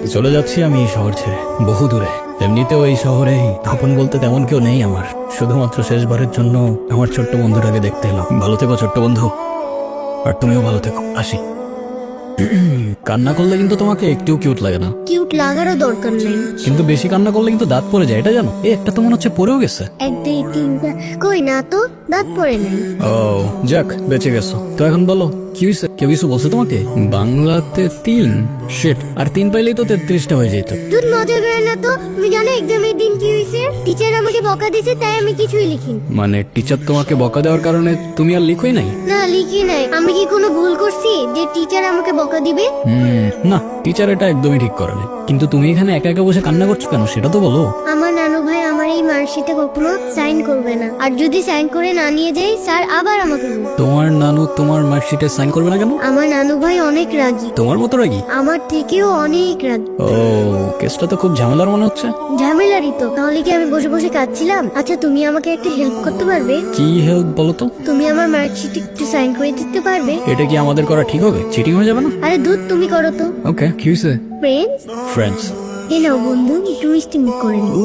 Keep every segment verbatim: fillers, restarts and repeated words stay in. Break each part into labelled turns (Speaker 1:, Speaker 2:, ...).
Speaker 1: চলে যাচ্ছি আমি এই শহর ছেড়ে বহু দূরে। এমনিতেও এই শহরে আপন বলতে তেমন কেউ নেই আমার। শুধুমাত্র শেষবারের জন্য আমার ছোট্ট বন্ধুটাকে দেখতে এলাম। ভালো থেকো ছোট্ট বন্ধু, আর তুমিও ভালো থেকো। আসি। কান্না করলে কিন্তু তোমাকে একটু কিউট লাগে না।
Speaker 2: কিউট লাগারও দরকার নেই,
Speaker 1: কিন্তু বেশি কান্না করলে কিন্তু দাঁত পড়ে যায়, এটা জানো? এই একটা তো মনে হচ্ছে পড়েও গেছে।
Speaker 2: এক দুই তিনটা কই না তো, দাঁত পড়ে নেই।
Speaker 1: ও যাক, বেঁচে গেছো তো। এখন বলো কি হয়েছে? কেউ কিছু বলছে তোমাকে? বাংলাতে তিন শেট আর তিন পাইলেই তো তেত্রিশটা হয়ে যেত।
Speaker 2: তুই মজা করে না তো। তুমি জানো এক্সামের দিন কি হয়েছে? টিচার আমাকে বকা দিয়েছে, তাই আমি কিছুই লিখিনি।
Speaker 1: মানে টিচার তোমাকে বকা দেওয়ার কারণে তুমি আর লিখোই নাই?
Speaker 2: না লিখি নাই। আমি কি কোনো ভুল করছি যে টিচার আমাকে বকা দিবে?
Speaker 1: হুম, না, টিচার এটা একদমই ঠিক করেনি। কিন্তু তুমি এখানে একা একা বসে কান্না করছো কেন সেটা তো বলো।
Speaker 2: আমার নানু ভাই আমার এই মার্কশিটে কখনো সাইন করবে না, আর যদি সাইন করে না নিয়ে যাই স্যার আবার আমাকে বলবে।
Speaker 1: তোমার নানু তোমার মার্কশিটে সাইন করবে না কেন?
Speaker 2: আমার নানু ভাই অনেক রাগী,
Speaker 1: তোমার মতো রাগি?
Speaker 2: আমার থেকেও অনেক রাগী।
Speaker 1: ও, কেসটা তো খুব ঝামেলার মনে হচ্ছে।
Speaker 2: ঝামেলারই তো, তাহলে কি আমি বসে বসে কাঁদছিলাম? আচ্ছা তুমি আমাকে একটা হেল্প করতে পারবে?
Speaker 1: কি হেল্প বলো তো?
Speaker 2: তুমি আমার মার্কশিটে একটু সাইন করে দিতে পারবে?
Speaker 1: এটা কি আমাদের করা ঠিক হবে? চিটিং হয়ে যাবে না?
Speaker 2: আরে দুধ তুমি করো তো।
Speaker 1: ওকে, কি হয়েছে?
Speaker 2: Friends,
Speaker 1: friends?
Speaker 2: এ নাও বন্ধু, একটু মিষ্টি মুখ করে নিও।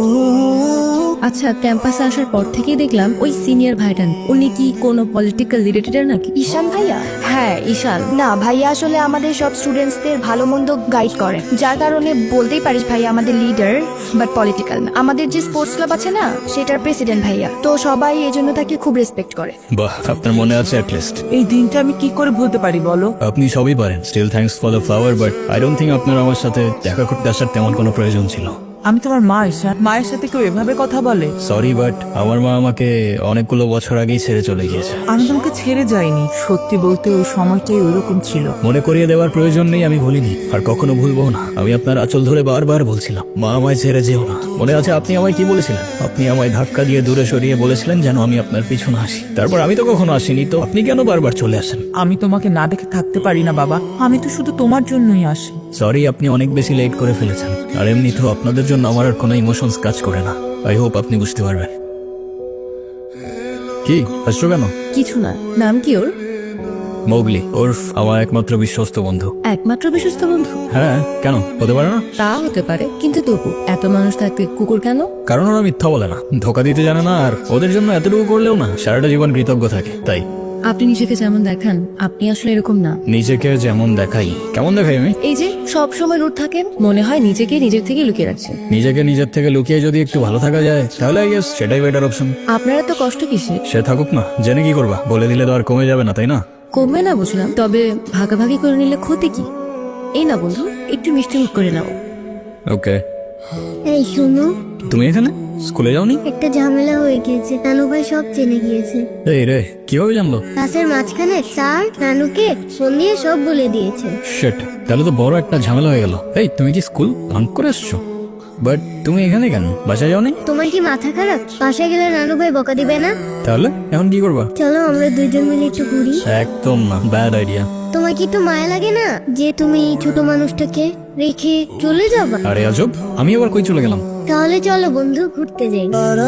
Speaker 3: আচ্ছা, ক্যাম্পাসে আসার পর থেকেই দেখলাম ওই সিনিয়র ভাইটান, উনি কি কোনো পলিটিক্যাল রিলেটেড নাকি?
Speaker 4: ঈশান ভাইয়া?
Speaker 3: হ্যাঁ, ঈশান।
Speaker 4: না ভাইয়া, আসলে আমাদের সব স্টুডেন্টসদের ভালো মন্দ গাইড করে, যার কারণে বলতেই পারিস ভাইয়া আমাদের লিডার, বাট পলিটিক্যাল না। আমাদের যে স্পোর্টস ক্লাব আছে না, সেটার প্রেসিডেন্ট ভাইয়া, তো সবাই এই জন্য তাকে খুব রেসপেক্ট করে।
Speaker 1: বাহ, আপনার মনে আছে অ্যাট লিস্ট।
Speaker 5: এই দিনটা আমি কি করে ভুলতে পারি বলো?
Speaker 1: আপনি সবই পারেন। Still thanks for the flower, but I don't think আপনার আমার সাথে দেখা করতে আসার তেমন কোনো প্রয়োজন ছিল।
Speaker 5: আমি তোমার মা ঈশান, মায়ের সাথে কেউ এভাবে কথা বলে?
Speaker 1: সরি, বাট আমার মা আমাকে অনেকগুলো বছর আগেই ছেড়ে চলে গিয়েছে।
Speaker 5: আমি তোমাকে ছেড়ে যাইনি, সত্যি বলতে ওই সময়টাই ওইরকম ছিল।
Speaker 1: মনে করিয়ে দেওয়ার প্রয়োজন নেই, আমি ভুলিনি আর কখনো ভুলবো না। আমি আপনার আঁচল ধরে বারবার বলছিলাম, মা আমায় ছেড়ে যেও না। মনে আছে আপনি আমায় কি বলেছিলেন? আপনি আমায় ধাক্কা দিয়ে দূরে সরিয়ে বলেছিলেন যেন আমি আপনার পিছনে আসি। তারপর আমি তো কখনো আসিনি, তো আপনি কেন বারবার চলে আসেন?
Speaker 5: আমি তোমাকে না দেখে থাকতে পারি না বাবা, আমি তো শুধু তোমার জন্যই আসি।
Speaker 1: সরি, আপনি অনেক বেশি লেট করে ফেলেছেন। আর এমনি তো আপনাদের জন্য আমার আর কোনো ইমোশনস কাজ করে না। আই হোপ আপনি বুঝতে পারবেন। কি হাসছো কেন?
Speaker 3: কিছু না। নাম কি ওর?
Speaker 1: মৌগলি, ওরফ আমার একমাত্র বিশ্বস্ত বন্ধু।
Speaker 3: একমাত্র বিশ্বস্ত বন্ধু?
Speaker 1: হ্যাঁ, কেন হতে পারে না?
Speaker 3: তা হতে পারে, কিন্তু তবু এত মানুষ থাকতে কুকুর কেন?
Speaker 1: কারণ ওরা মিথ্যা বলে না, ধোকা দিতে জানে না, আর ওদের জন্য এতটুকু করলেও না সারাটা জীবন কৃতজ্ঞ থাকে। তাই
Speaker 3: আপনি নিজেকে যেমন দেখান, আপনি আসলে এরকম না।
Speaker 1: নিজেকে যেমন দেখাই? কেমন দেখাই আমি?
Speaker 3: এই যে সব সময় রুট থাকেন, মনে হয় নিজেকে নিজের থেকে লুকিয়ে রাখছেন।
Speaker 1: নিজেকে নিজের থেকে লুকিয়ে যদি একটু ভালো থাকা যায় তাহলে আই গেস সেটাই বেটার অপশন।
Speaker 3: আপনারা তো কষ্ট কিসে?
Speaker 1: সে থাকুক না, জেনে কি করবা? বলে দিলে তো আর কমে যাবে না, তাই না?
Speaker 3: কমবে না বুঝলাম, তবে ভাগাভাগি করে নিলে ক্ষতি কি? এই না বন্ধু, একটু মিষ্টি মুখ করে নাও।
Speaker 1: ওকে।
Speaker 2: এই শোনো,
Speaker 1: তুমি এখানে স্কুলে যাওনি?
Speaker 2: একটা ঝামেলা হয়ে গিয়েছে, নানু ভাই সব জেনে গিয়েছে।
Speaker 1: এই রে, কিভাবে জানলো?
Speaker 2: ক্লাসের মাঝখানে স্যার নানুকে ফোন দিয়ে সব বলে দিয়েছে।
Speaker 1: শিট, তাহলে তো বড় একটা ঝামেলা হয়ে গেল। এই, তুমি কি স্কুল ভাঙ করে আসছো? বাট তুমি এখানে কেন? বাসায় যাওনি?
Speaker 2: তোমার কি মাথা খারাপ? বাসায় গেলে নানু ভাই বকা দিবে না?
Speaker 1: তাহলে এখন কি করবা?
Speaker 2: চলো আমরা দুইজন মিলে একটু ঘুরি।
Speaker 1: একদম না, ব্যাড আইডিয়া।
Speaker 2: তোমার কি একটু মায়া লাগে না যে তুমি এই ছোট মানুষটাকে রেখে চলে যাবা?
Speaker 1: আরে আজব, আমি আবার কই চলে গেলাম?
Speaker 2: তাহলে চলো বন্ধু ঘুরতে যাই।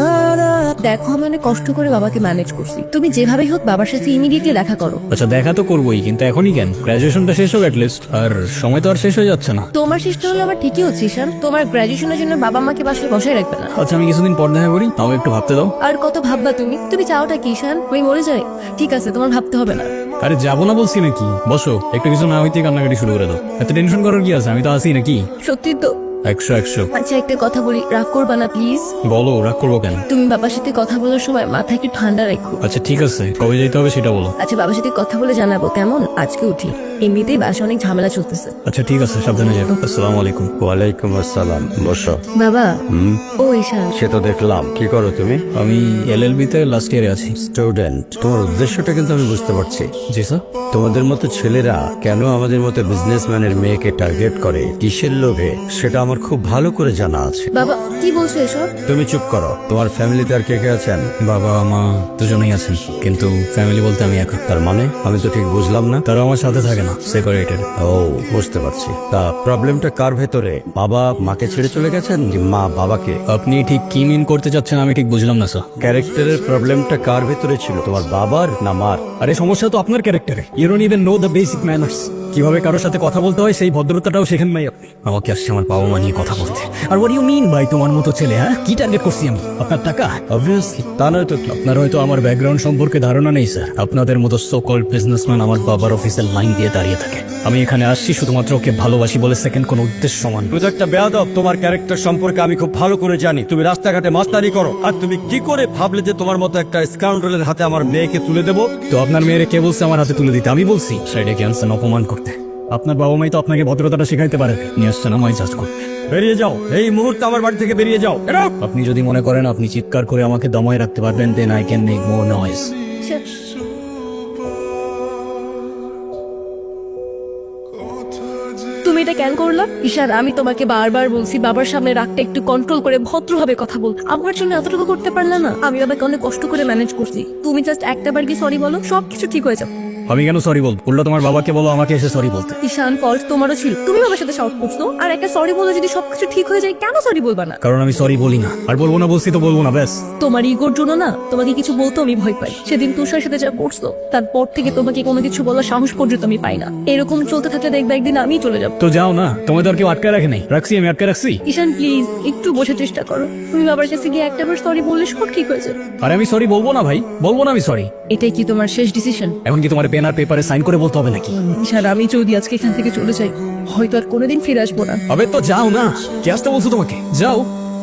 Speaker 3: দেখো, আমি অনেক কষ্ট করে বাবাকে ম্যানেজ করছি, তুমি যেভাবেই হোক বাবার সাথে ইমিডিয়েটলি দেখা করো।
Speaker 1: আচ্ছা, দেখা তো করবোই, কিন্তু এখনই কেন? গ্রাজুয়েশনটা শেষ হোক অ্যাটলিস্ট, আর সময় তো আর শেষ হয়ে যাচ্ছে না।
Speaker 3: তোমার চেষ্টা হলে আবার ঠিকই হচ্ছে ঈশান, তোমার গ্রাজুয়েশনের জন্য বাবা মাকে বাসায় বসায় রাখবে না।
Speaker 1: আচ্ছা, আমি কিছুদিন পর দেখা করি, আমাকে একটু ভাবতে দাও।
Speaker 3: আর কত ভাববা তুমি? তুমি চাওটা কি ঈশান? আমি মরে যাই? ঠিক আছে, তোমার ভাবতে হবে না।
Speaker 1: আরে যাবো না বলছি নাকি? বসো, একটু কিছু না হইতে কান্নাকাটি শুরু করে দাও। এত টেনশন করার কি আছে? আমি তো আসি নাকি?
Speaker 3: সত্যি তো?
Speaker 1: একশো একশো।
Speaker 3: আচ্ছা, একটা কথা বলি, রাগ করবা না প্লিজ?
Speaker 1: বলো, রাগ করবো কেন?
Speaker 3: তুমি বাবার সাথে কথা বলার সময় মাথা একটু ঠান্ডা রাখো।
Speaker 1: আচ্ছা ঠিক আছে, কবে যেতে হবে সেটা বলো।
Speaker 3: আচ্ছা, বাবার সাথে কথা বলে জানাবো কেমন? আজকে উঠি, এমনিতেই বাসা অনেক ঝামেলা চলতেছে।
Speaker 1: আচ্ছা ঠিক আছে, সাবধানে যাবো। আসসালামু আলাইকুম।
Speaker 6: ওয়ালাইকুম আসসালাম, বসো।
Speaker 3: বাবা।
Speaker 6: হুম,
Speaker 3: ও ঈশান।
Speaker 6: সে তো দেখলাম। কি করো তুমি?
Speaker 1: আমি এলএলবি তে লাস্ট ইয়ারে আছি।
Speaker 6: স্টুডেন্ট। তোমার উদ্দেশ্যটা কিন্তু আমি বুঝতে পারছি।
Speaker 1: জি স্যার।
Speaker 6: তোমাদের মতো ছেলেরা কেন আমাদের মতো বিজনেসম্যানের মেয়েকে টার্গেট করে, কিসের লোভে, সেটা আমার খুব ভালো করে জানা আছে।
Speaker 3: বাবা কি বলছো এসব?
Speaker 6: তুমি চুপ করো। তোমার ফ্যামিলিতে আর কে কে আছেন?
Speaker 1: বাবা মা দুজনেই আছেন, কিন্তু ফ্যামিলি বলতে আমি একা।
Speaker 6: তার মানে আমি তো ঠিক বুঝলাম না।
Speaker 1: তারা আমার সাথে থাকে না। না, সেপারেটেড।
Speaker 6: ও বুঝতে পারছি। তা প্রবলেমটা কার ভেতরে? বাবা মাকে ছেড়ে চলে গেছেন, যে মা বাবাকে?
Speaker 1: আপনি ঠিক কি মিন করতে চাচ্ছেন আমি ঠিক বুঝলাম না স্যার।
Speaker 6: ক্যারেক্টারের প্রবলেমটা কার ভেতরে ছিল, তোমার বাবার না মার?
Speaker 1: আরে সমস্যা তো আপনার ক্যারেক্টারে। You don't even know the basic manners. কিভাবে কারোর সাথে কথা বলতে হয় সেই ভদ্রতাটাও শেখেন নাই আপনি। আমাকে আসছে আমার বাবা মা নিয়ে কথা বলতে। আর হোয়াট ইউ মিন ভাই তোমার মতো ছেলে? হ্যাঁ, কি টার্গেট করছি আমি? আপনার টাকা?
Speaker 6: অবভিয়াসলি, তা নয় তো কি?
Speaker 1: আপনার হয়তো আমার ব্যাকগ্রাউন্ড সম্পর্কে ধারণা নেই স্যার। আপনাদের মতো সো কল্ড বিজনেসম্যান আমার বাবার অফিসের লাইন দিয়ে দাঁড়িয়ে থাকে। আমি এখানে আসছি শুধুমাত্র ওকে ভালোবাসি বলে, সেকেন্ড কোনো উদ্দেশ্য সমান।
Speaker 6: তুমি তো একটা বেয়াদব। তোমার ক্যারেক্টার সম্পর্কে আমি খুব ভালো করে জানি। তুমি রাস্তাঘাটে মাস্তানি করো, আর তুমি কি করে ভাবলে যে তোমার মতো একটা স্কাউন্ডারের হাতে আমার মেয়েকে তুলে দেবো?
Speaker 1: তো আপনার মেয়েরে কে বলছে আমার হাতে তুলে দিতে? আমি বলছি সাইডে ক্যান্সার অপমান করতে। আপনার বাবা মাই তো আপনাকে ভদ্রতাটা শেখাইতে পারে। নিয়ে আসছেন আমায় জাজ করতে।
Speaker 6: বেরিয়ে যাও এই মুহূর্তে, আমার বাড়ি থেকে বেরিয়ে যাও।
Speaker 1: আপনি যদি মনে করেন আপনি চিৎকার করে আমাকে দমায় রাখতে পারবেন, then I can make more noise.
Speaker 3: তুমি এটা কেন করলা ঈশান? আমি তোমাকে বারবার বলছি বাবার সামনে রাগটা একটু কন্ট্রোল করে ভদ্রভাবে কথা বল। আমার জন্য এতটুকু করতে পারলা না? আমি বাবাকে অনেক কষ্ট করে ম্যানেজ করছি। তুমি জাস্ট একটা বার কি সরি বলো, সবকিছু ঠিক হয়ে যাবে।
Speaker 1: আমি কেন সরি বলবো? উল্টো তোমার বাবাকে বলো আমাকে এসে সরি বলতে।
Speaker 3: ঈশান, ফল্ট তোমারও ছিল। তুমি বাবার সাথে শাউট করছো, আর একটা সরি বলে যদি সবকিছু ঠিক হয়ে যায়, কেন সরি বলবা না?
Speaker 1: কারণ আমি সরি বলি না, আর বলবো না বলছি তো বলবো না, ব্যাস।
Speaker 3: তোমার ইগোর জন্য না তোমাকে কিছু বলতে আমি ভয় পাই। সেদিন তুষার সাথে যা করছো, তারপর থেকে তোমাকে কোনো কিছু বলার সাহস পর্যন্ত আমি পাই না। এরকম চলতে থাকলে দেখবে একদিন আমি চলে যাবো।
Speaker 1: তো যাও না, তোমায় তো আর কেউ আটকে রাখে নাই। রাখছি, আমি আটকে রাখছি?
Speaker 3: ঈশান প্লিজ একটু বোঝার চেষ্টা করো। তুমি বাবার কাছে গিয়ে একটা বার সরি বললে সব ঠিক হয়ে যাবে।
Speaker 1: আরে আমি সরি বলবো না ভাই, বলবো না আমি সরি।
Speaker 3: এটাই কি তোমার শেষ ডিসিশন?
Speaker 1: এখন কি তোমার পেন আর পেপারে সাইন করে বলতে হবে নাকি?
Speaker 3: ঈশান, আমি যদি আজকে এখান থেকে চলে যাই, হয়তো আর কোনোদিন ফিরে আসবো না।
Speaker 1: আবে তো যাও না, কে আসতে বলছো তোমাকে? যাও।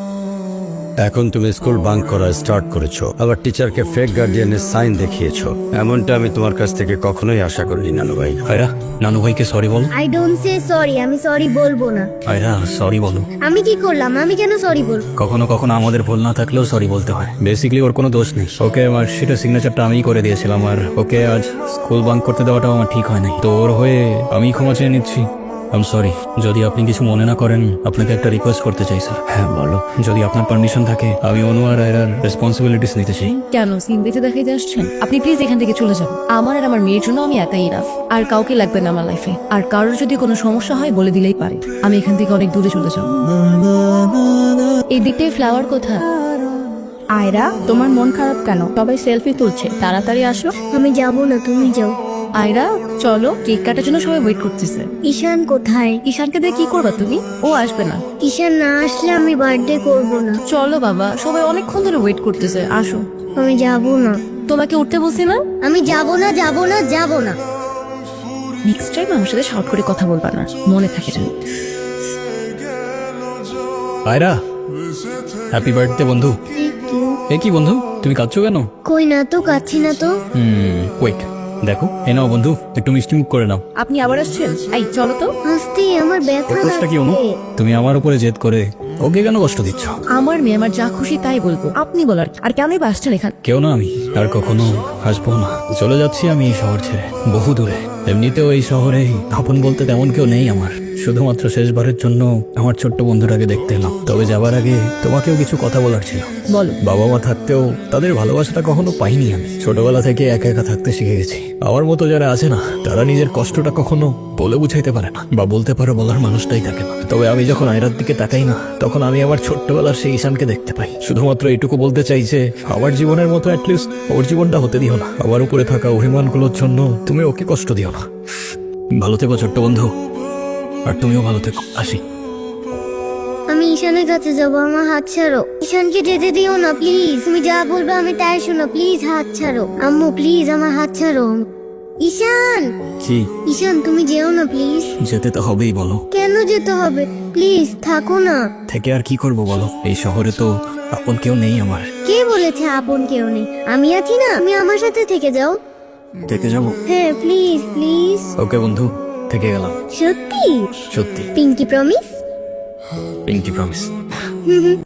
Speaker 6: এখন তুমি স্কুল বাঙ্ক করা স্টার্ট করেছো, আবার টিচারকে ফেক গার্ডিয়ানের সাইন দেখিয়েছো। এমনটা আমি তোমার কাছ থেকে কখনোই আশা করিনি নানু ভাই।
Speaker 1: আয়রা, নানু ভাইকে সরি বল।
Speaker 2: আই ডোন্ট সে সরি, আমি সরি বলবো না।
Speaker 1: আয়রা সরি বলো।
Speaker 2: আমি কি করলাম? আমি কেন সরি বলবো?
Speaker 1: কখনো কখনো আমাদের ভুল না থাকলেও সরি বলতে হয়। বেসিক্যালি ওর কোনো দোষ নেই। ওকে আমার সেটা সিগনেচারটা আমিই করে দিয়েছিলাম, আর ওকে আজ স্কুল বাঙ্ক করতে দেওয়াটাও আমার ঠিক হয় নাই। তো ওর হয়ে আমি ক্ষমা চেয়ে নিচ্ছি। I'm sorry. যদি আপনি কিছু মনে না করেন, আপনাকে একটা রিকোয়েস্ট করতে চাই স্যার।
Speaker 6: হ্যাঁ বলো।
Speaker 1: যদি আপনার পারমিশন থাকে, আমি অনু আর আয়রার রেসপন্সিবিলিটিস নিতে চাই।
Speaker 3: কেন সিন দেখে দেখাইতে আসছেন? আপনি প্লিজ এখান থেকে চলে যান। আমার আর আমার মেয়ের জন্য আমি একাই ইনাফ, আর কাউকে লাগবে না আমার লাইফে। আর কারোর যদি কোনো সমস্যা হয় বলে দিলেই পারে। আমি এখান থেকে অনেক দূরে চলে যাব। এই দিকটাই ফ্লাওয়ার কোথা?
Speaker 4: আয়রা, তোমার মন খারাপ কেন? সবাই সেলফি তুলছে, তাড়াতাড়ি আসো।
Speaker 2: আমি যাব না, তুমি যাও।
Speaker 3: আয়রা চলো, কেক কাটার জন্য সবাই ওয়েট করতেছে।
Speaker 2: ঈশান কোথায়?
Speaker 3: ঈশানকে দিয়ে কি করবা তুমি? ও আসবে না।
Speaker 2: ঈশান না আসলে আমি বার্থডে করব না।
Speaker 3: চলো বাবা, সবাই অনেকক্ষণ ধরে ওয়েট করতেছে, আসো।
Speaker 2: আমি যাব না।
Speaker 3: তোমাকে উঠতে বলছি না?
Speaker 2: আমি যাব না, যাব না, যাব না।
Speaker 3: নেক্সট টাইম আমার সাথে শর্ট করে কথা বলবা না, মনে থাকে যেন।
Speaker 1: আয়রা, হ্যাপি বার্থডে বন্ধু।
Speaker 2: Thank you.
Speaker 1: এ কি বন্ধু, তুমি কাঁদছো কেন?
Speaker 2: কই না তো, কাচ্ছি না তো।
Speaker 1: হুম ওয়েট, দেখো এ নাও বন্ধু, একটু মিষ্টি মুখ করে নাও।
Speaker 3: আপনি আবার আসছেন? এই চলো তো।
Speaker 2: হাসতে আমার ব্যথা
Speaker 1: ওর দোষটা কি অনু?
Speaker 2: লাগছে।
Speaker 1: তুমি আমার উপরে জেদ করে ওকে কেন কষ্ট দিচ্ছ?
Speaker 3: আমার মেয়ে আমার যা খুশি তাই বলবো, আপনি বলার কি? আর কেনই বা আসছেন এখানে?
Speaker 1: কেউ না, আমি আর কখনো আসবো না। চলে যাচ্ছি আমি এই শহর ছেড়ে, বহু দূরে। এমনিতেও এই শহরে আপন বলতে তেমন কেউ নেই আমার। শুধুমাত্র শেষবারের জন্য আমার ছোট্ট বন্ধুটাকে দেখতে এলাম। তবে যাবার আগে তোমাকেও কিছু কথা বলার ছিল।
Speaker 3: বলো।
Speaker 1: বাবা মা থাকতেও তাদের ভালোবাসাটা কখনো পাইনি আমি। ছোটবেলা থেকে একা একা থাকতে শিখে গেছি। আমার মতো যারা আছে না, তারা নিজের কষ্টটা কখনো বলে বুঝাইতে পারে না, বা বলতে পারে বলার মানুষটাই থাকে না। তবে আমি যখন আয়রার দিকে তাকাই না, তখন আমি আমার ছোট্টবেলার সেই ঈশানকে দেখতে পাই। শুধুমাত্র এইটুকু বলতে চাই যে আমার জীবনের মতো অ্যাটলিস্ট ওর জীবনটা হতে দিও না। আমার উপরে থাকা অভিমানগুলোর জন্য তুমি ওকে কষ্ট দিও না। ভালো থেকো ছোট্ট বন্ধু, আর তুমিও ভালো থেকো। আসি।
Speaker 2: আমি ঈশানের কাছে যাব, আমার হাত ছাড়ো। ঈশানকে যেতে দিও না প্লিজ। তুমি যা বলবে আমি তাই শোনো, প্লিজ হাত ছাড়ো। আম্মু প্লিজ আমার হাত ছাড়ো। ঈশান,
Speaker 1: কি?
Speaker 2: ঈশান তুমি যেও না প্লিজ।
Speaker 1: যেতে তো হবেই, বলো।
Speaker 2: কেন যেতে হবে? প্লিজ থাকো না।
Speaker 1: থেকে আর কি করব বলো? এই শহরে তো আপন কেউ নেই আমার।
Speaker 2: কে বলেছে আপন কেউ নেই? আমি আছি না, তুমি আমার সাথে থেকে যাও।
Speaker 1: থেকে যাবো?
Speaker 2: হ্যাঁ প্লিজ প্লিজ।
Speaker 1: ওকে বন্ধু, থেকে গেলাম।
Speaker 2: সত্যি?
Speaker 1: সত্যি।
Speaker 2: Pinky promise?
Speaker 1: Pinky promise.